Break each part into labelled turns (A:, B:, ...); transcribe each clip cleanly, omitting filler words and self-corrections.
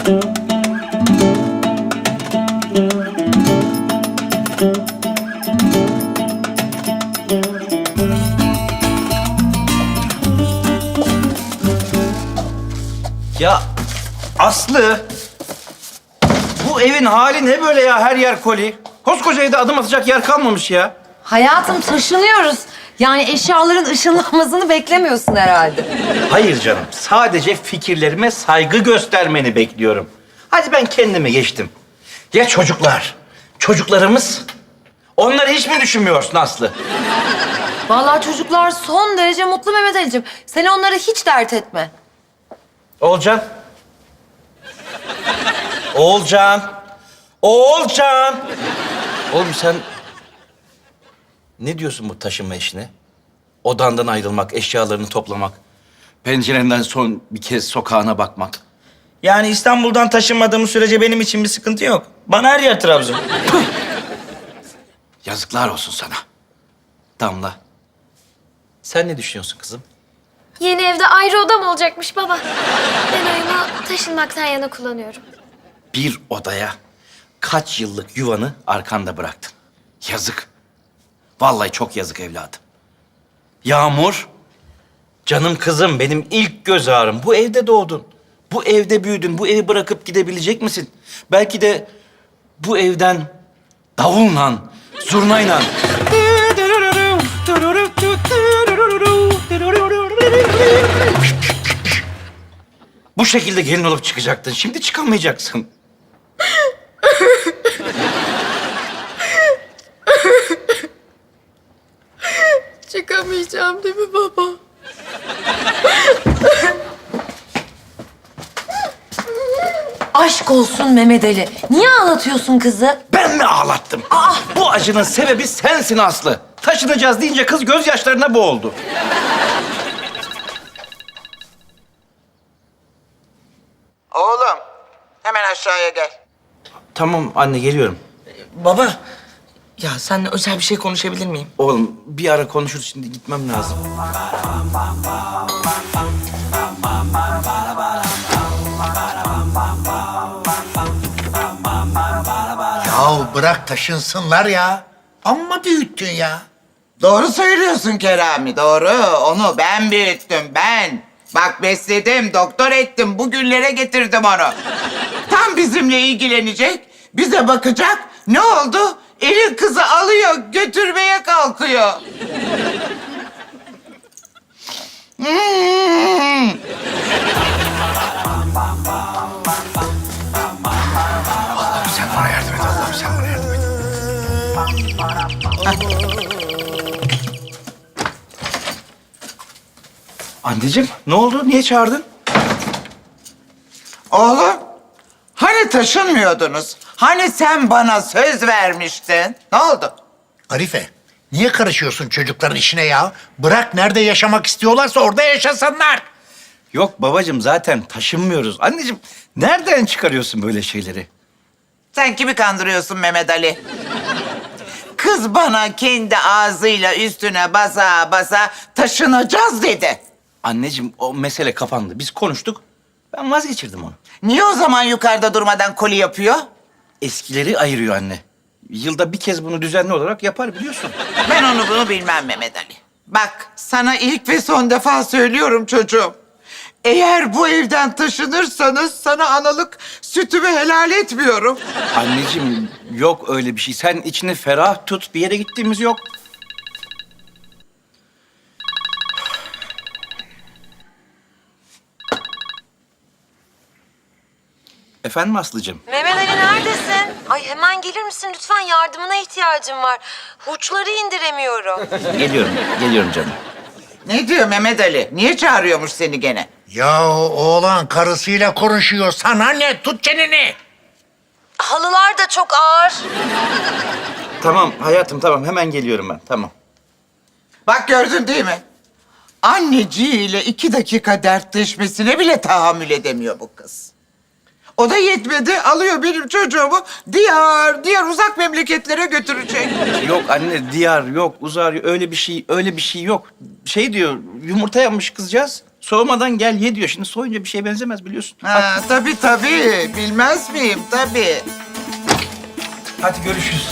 A: Ya Aslı, bu evin hali ne böyle ya? Her yer koli. Koskoca evde adım atacak yer kalmamış ya.
B: Hayatım taşınıyoruz. Yani eşyaların ışınlanmasını beklemiyorsun herhalde.
A: Hayır canım, sadece fikirlerime saygı göstermeni bekliyorum. Hadi ben kendime geçtim. Ya çocuklar, çocuklarımız? Onları hiç mi düşünmüyorsun Aslı?
B: Vallahi çocuklar son derece mutlu Mehmet Ali'cim. Sen onları hiç dert etme.
A: Oğulcan. Oğulcan. Oğulcan. Oğlum sen ne diyorsun bu taşınma işine? Odandan ayrılmak, eşyalarını toplamak, pencerenden son bir kez sokağına bakmak.
C: Yani İstanbul'dan taşınmadığım sürece benim için bir sıkıntı yok. Bana her yer Trabzon.
A: Yazıklar olsun sana. Damla. Sen ne düşünüyorsun kızım?
D: Yeni evde ayrı odam olacakmış baba. Ben oyunu taşınmaktan yana kullanıyorum.
A: Bir odaya kaç yıllık yuvanı arkanda bıraktın. Yazık. Vallahi çok yazık evladım. Yağmur, canım kızım, benim ilk göz ağrım. Bu evde doğdun. Bu evde büyüdün. Bu evi bırakıp gidebilecek misin? Belki de bu evden davulla, zurnayla... Bu şekilde gelin olup çıkacaktın. Şimdi çıkamayacaksın.
D: Çıkamayacağım değil mi baba?
B: Aşk olsun Mehmet Ali. Niye ağlatıyorsun kızı?
A: Ben mi ağlattım? Bu acının sebebi sensin Aslı. Taşınacağız deyince kız gözyaşlarına boğuldu.
E: Oğlum, hemen aşağıya gel.
A: Tamam anne, geliyorum.
C: Baba, ya seninle özel bir şey konuşabilir miyim?
A: Oğlum bir ara konuşuruz, şimdi gitmem lazım.
F: Yahu bırak taşınsınlar ya. Amma büyüttün ya.
E: Doğru söylüyorsun Kerami, doğru. Onu ben büyüttüm, ben. Bak besledim, doktor ettim, bugünlere getirdim onu. Tam bizimle ilgilenecek, bize bakacak. Ne oldu? Elin kızı alıyor, götürmeye kalkıyor.
F: Sen bana yardım et Allah'ım, sen bana yardım et.
A: Anneciğim ne oldu? Niye çağırdın?
E: Oğlum, hani taşınmıyordunuz? Hani sen bana söz vermiştin? Ne oldu?
F: Arife, niye karışıyorsun çocukların işine ya? Bırak, nerede yaşamak istiyorlarsa orada yaşasınlar.
A: Yok babacığım, zaten taşınmıyoruz. Anneciğim nereden çıkarıyorsun böyle şeyleri?
E: Sen kimi kandırıyorsun Mehmet Ali? Kız bana kendi ağzıyla üstüne basa basa taşınacağız dedi.
A: Anneciğim o mesele kapandı. Biz konuştuk. Ben vazgeçirdim onu.
E: Niye o zaman yukarıda durmadan koli yapıyor?
A: Eskileri ayırıyor anne. Yılda bir kez bunu düzenli olarak yapar, biliyorsun.
E: Ben onu bunu bilmem Mehmet Ali. Bak sana ilk ve son defa söylüyorum çocuğum. Eğer bu evden taşınırsanız sana analık sütümü helal etmiyorum.
A: Anneciğim yok öyle bir şey. Sen içini ferah tut. Bir yere gittiğimiz yok. Efendim Aslı'cığım?
B: Mehmet Ali neredesin? Ay hemen gelir misin lütfen? Yardımına ihtiyacım var. Hurçları indiremiyorum.
A: Geliyorum canım.
E: Ne diyor Mehmet Ali? Niye çağırıyormuş seni gene?
F: Ya oğlan karısıyla konuşuyor. Sana ne? Tut çeneni.
B: Halılar da çok ağır.
A: Tamam hayatım, tamam. Hemen geliyorum ben. Tamam.
E: Bak gördün değil mi? Anneciğiyle 2 dakika dertleşmesine bile tahammül edemiyor bu kız. O da yetmedi, alıyor benim çocuğumu diğer uzak memleketlere götürecek.
A: Yok anne, diyar yok, uzar, öyle bir şey yok. Şey diyor, yumurta yapmış kızcağız. Soğumadan gel ye diyor. Şimdi soğuyunca bir şeye benzemez biliyorsun.
E: Ha, tabii. Bilmez miyim? Tabii.
A: Hadi görüşürüz.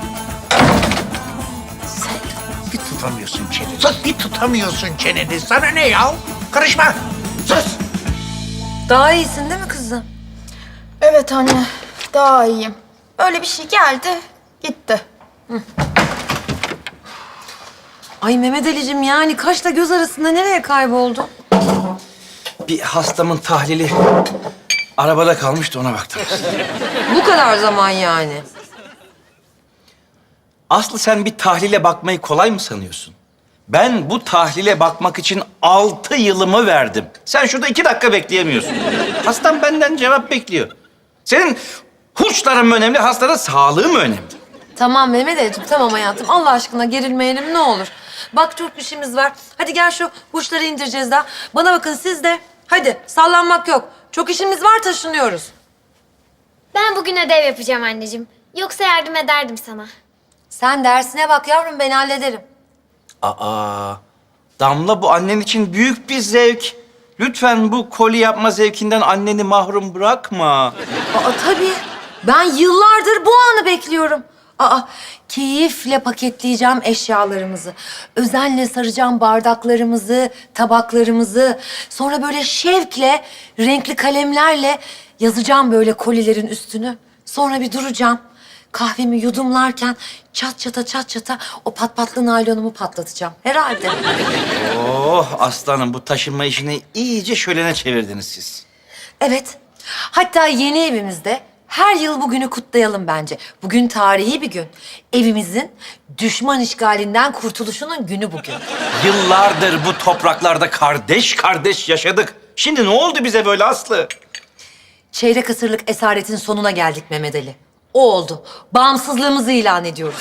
F: Bir tutamıyorsun çeneni. Sus, bir tutamıyorsun çeneni. Sana ne ya? Karışma. Sus.
B: Daha iyisin değil mi kızım?
G: Evet anne, daha iyiyim. Öyle bir şey geldi, gitti.
B: Ay Mehmet Ali'cim yani kaşla göz arasında nereye kayboldun?
A: Bir hastamın tahlili arabada kalmıştı, ona baktım.
B: Bu kadar zaman yani.
A: Aslı, sen bir tahlile bakmayı kolay mı sanıyorsun? Ben bu tahlile bakmak için 6 yılımı verdim. Sen şurada 2 dakika bekleyemiyorsun. Hastam benden cevap bekliyor. Senin hurçların mı önemli, hastanın sağlığı mı önemli?
B: Tamam Mehmet Ali'cim tamam hayatım. Allah aşkına gerilmeyelim ne olur. Bak çok işimiz var. Hadi gel şu burçları indireceğiz daha. Bana bakın siz de. Hadi sallanmak yok. Çok işimiz var, taşınıyoruz.
D: Ben bugün ödev yapacağım anneciğim. Yoksa yardım ederdim sana.
B: Sen dersine bak yavrum, ben hallederim.
A: Aa, Damla, bu annen için büyük bir zevk. Lütfen bu koli yapma zevkinden anneni mahrum bırakma.
B: Aa tabii. Ben yıllardır bu anı bekliyorum. Keyifle paketleyeceğim eşyalarımızı. Özenle saracağım bardaklarımızı, tabaklarımızı. Sonra böyle şevkle, renkli kalemlerle yazacağım böyle kolilerin üstünü. Sonra bir duracağım. Kahvemi yudumlarken çat çata o patpatlı naylonumu patlatacağım. Herhalde.
A: Oh aslanım, bu taşınma işini iyice şölene çevirdiniz siz.
B: Evet. Hatta yeni evimizde her yıl bugünü kutlayalım bence. Bugün tarihi bir gün. Evimizin düşman işgalinden kurtuluşunun günü bugün.
A: Yıllardır bu topraklarda kardeş kardeş yaşadık. Şimdi ne oldu bize böyle Aslı?
B: Çeyrek asırlık esaretin sonuna geldik Mehmet Ali. O oldu. Bağımsızlığımızı ilan ediyoruz.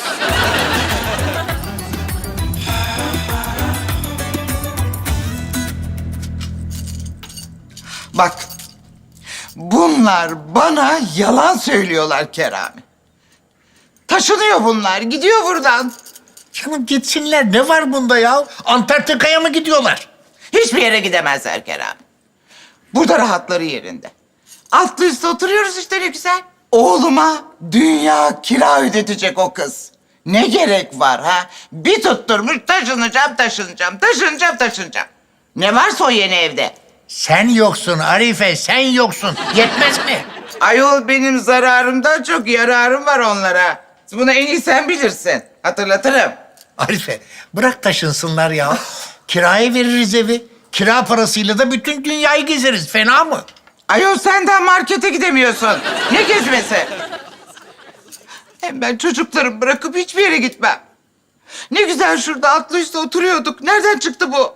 E: Bak, bunlar bana yalan söylüyorlar Kerami. Taşınıyor bunlar, gidiyor buradan.
F: Canım gitsinler. Ne var bunda ya? Antarktika'ya mı gidiyorlar?
E: Hiçbir yere gidemezler Kerami. Burada rahatları yerinde. Altlı üstte oturuyoruz işte, ne güzel. Oğluma dünya kira ödetecek o kız. Ne gerek var ha? Bir tutturmuş taşınacağım. Ne varsa o yeni evde.
F: Sen yoksun Arife, sen yoksun. Yetmez mi?
E: Ayol, benim zararımdan çok yararım var onlara. Bunu en iyi sen bilirsin. Hatırlatırım.
F: Arife, bırak taşınsınlar ya. Kiraya veririz evi. Kira parasıyla da bütün dünyayı gezeriz. Fena mı?
E: Ayol, sen daha markete gidemiyorsun. Ne gezmesi? Hem ben çocuklarımı bırakıp hiçbir yere gitmem. Ne güzel şurada atlı üstte oturuyorduk. Nereden çıktı bu?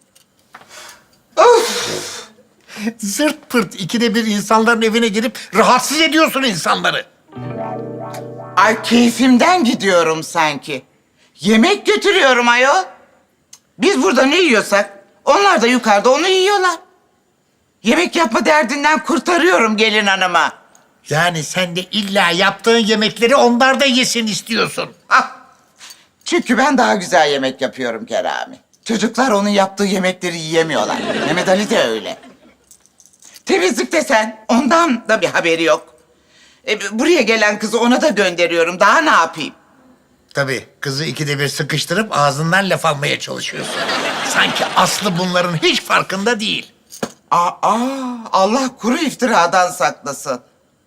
E: Of!
F: Zırt pırt ikide bir insanların evine girip rahatsız ediyorsun insanları.
E: Ay, keyfimden gidiyorum sanki. Yemek götürüyorum ayol. Biz burada ne yiyorsak onlar da yukarıda onu yiyorlar. Yemek yapma derdinden kurtarıyorum gelin hanıma.
F: Yani sen de illa yaptığın yemekleri onlar da yesin istiyorsun.
E: Ah! Çünkü ben daha güzel yemek yapıyorum Kerami. Çocuklar onun yaptığı yemekleri yiyemiyorlar. Mehmet Ali de öyle. Temizlik desen ondan da bir haberi yok. Buraya gelen kızı ona da gönderiyorum. Daha ne yapayım?
F: Tabii kızı ikide bir sıkıştırıp ağzından laf almaya çalışıyorsun. Sanki Aslı bunların hiç farkında değil.
E: Allah kuru iftiradan saklasın.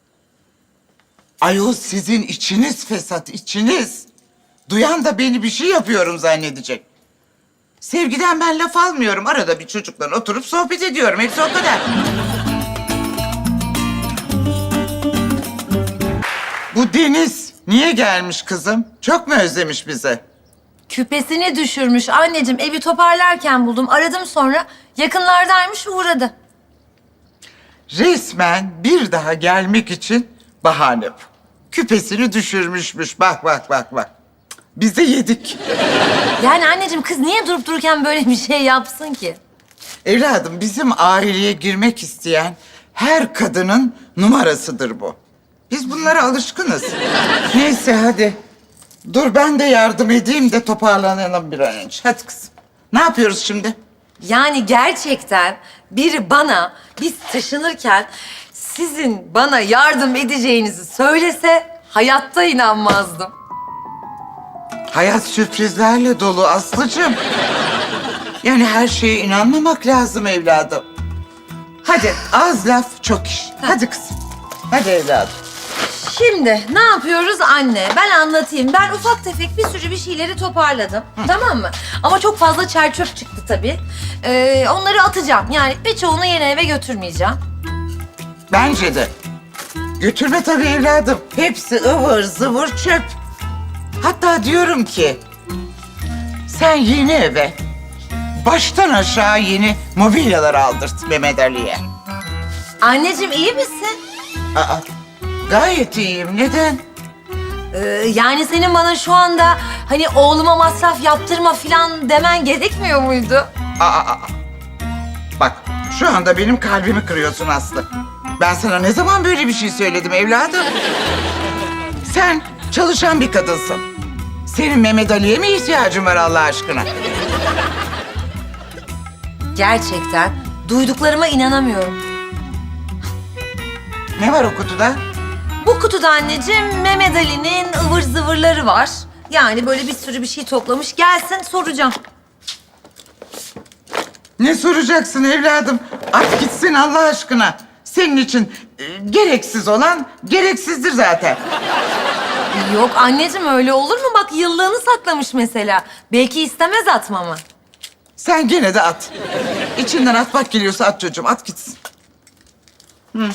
E: Ayol, sizin içiniz fesat, içiniz. Duyan da beni bir şey yapıyorum zannedecek. Sevgiden ben laf almıyorum. Arada bir çocukla oturup sohbet ediyorum. Hepsi o kadar. Bu Deniz niye gelmiş kızım? Çok mu özlemiş bizi?
B: Küpesini düşürmüş anneciğim. Evi toparlarken buldum. Aradım sonra. Yakınlardaymış, uğradı.
E: Resmen bir daha gelmek için bahane bu. Küpesini düşürmüşmüş. Bak. Biz de yedik.
B: Yani anneciğim kız niye durup dururken böyle bir şey yapsın ki?
E: Evladım, bizim aileye girmek isteyen her kadının numarasıdır bu. Biz bunlara alışkınız. Neyse hadi. Dur ben de yardım edeyim de toparlanalım bir an önce. Hadi kızım. Ne yapıyoruz şimdi?
B: Yani gerçekten biri bana biz taşınırken sizin bana yardım edeceğinizi söylese hayatta inanmazdım.
E: Hayat sürprizlerle dolu Aslı'cığım. Yani her şeye inanmamak lazım evladım. Hadi az laf çok iş. Hadi kızım. Hadi evladım.
B: Şimdi ne yapıyoruz anne? Ben anlatayım. Ben ufak tefek bir sürü bir şeyleri toparladım. Tamam mı? Ama çok fazla çer çöp çıktı tabii. Onları atacağım. Yani birçoğunu yeni eve götürmeyeceğim.
E: Bence de. Götürme tabii evladım. Hepsi ıvır zıvır çöp. Hatta diyorum ki sen yeni eve baştan aşağı yeni mobilyalar aldırt Mehmet Ali'ye.
B: Anneciğim iyi misin?
E: Aa, gayet iyiyim. Neden?
B: Yani senin bana şu anda hani oğluma masraf yaptırma falan demen gerekmiyor muydu?
E: Aa. Bak şu anda benim kalbimi kırıyorsun Aslı. Ben sana ne zaman böyle bir şey söyledim evladım? Sen çalışan bir kadınsın. Senin Mehmet Ali'ye mi ihtiyacın var Allah aşkına?
B: Gerçekten duyduklarıma inanamıyorum.
E: Ne var o kutuda?
B: Bu kutuda anneciğim Mehmet Ali'nin ıvır zıvırları var. Yani böyle bir sürü bir şey toplamış. Gelsin soracağım.
E: Ne soracaksın evladım? At gitsin Allah aşkına. Senin için gereksiz olan gereksizdir zaten.
B: Yok anneciğim öyle olur mu? Bak yıllığını saklamış mesela. Belki istemez atmamı.
E: Sen gene de at. İçinden atmak geliyorsa at çocuğum, at gitsin. Hı.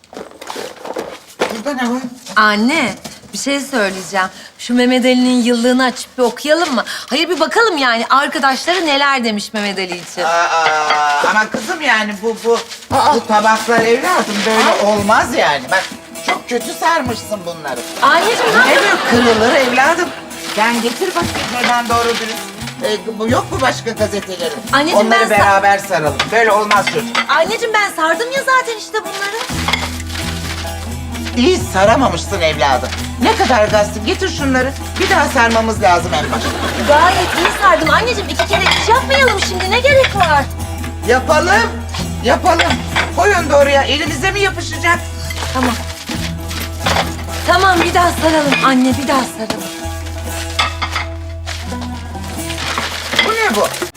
E: Burada ne var?
B: Anne bir şey söyleyeceğim. Şu Mehmet Ali'nin yıllığını açıp bir okuyalım mı? Hayır bir bakalım yani arkadaşları neler demiş Mehmet Ali için.
E: Ama kızım yani bu tabaklar evladım böyle olmaz yani. Bak çok kötü sarmışsın bunları.
B: Anneciğim
E: Ne böyle kırılır evladım? Sen getir bakayım hemen doğru dürüst. Bu yok mu başka gazetelerin?
B: Anneciğim,
E: onları
B: ben
E: beraber saralım. Böyle olmaz çocuk.
B: Anneciğim ben sardım ya zaten işte bunları.
E: İyi saramamışsın evladım. Ne kadar gazete getir şunları. Bir daha sarmamız lazım en başta.
B: Gayet iyi sardım. Anneciğim 2 kere iş yapmayalım şimdi ne gerek var?
E: Yapalım. Koyun da oraya. Elimize mi yapışacak?
B: Tamam. Tamam bir daha saralım anne bir daha saralım.
E: Bu ne bu?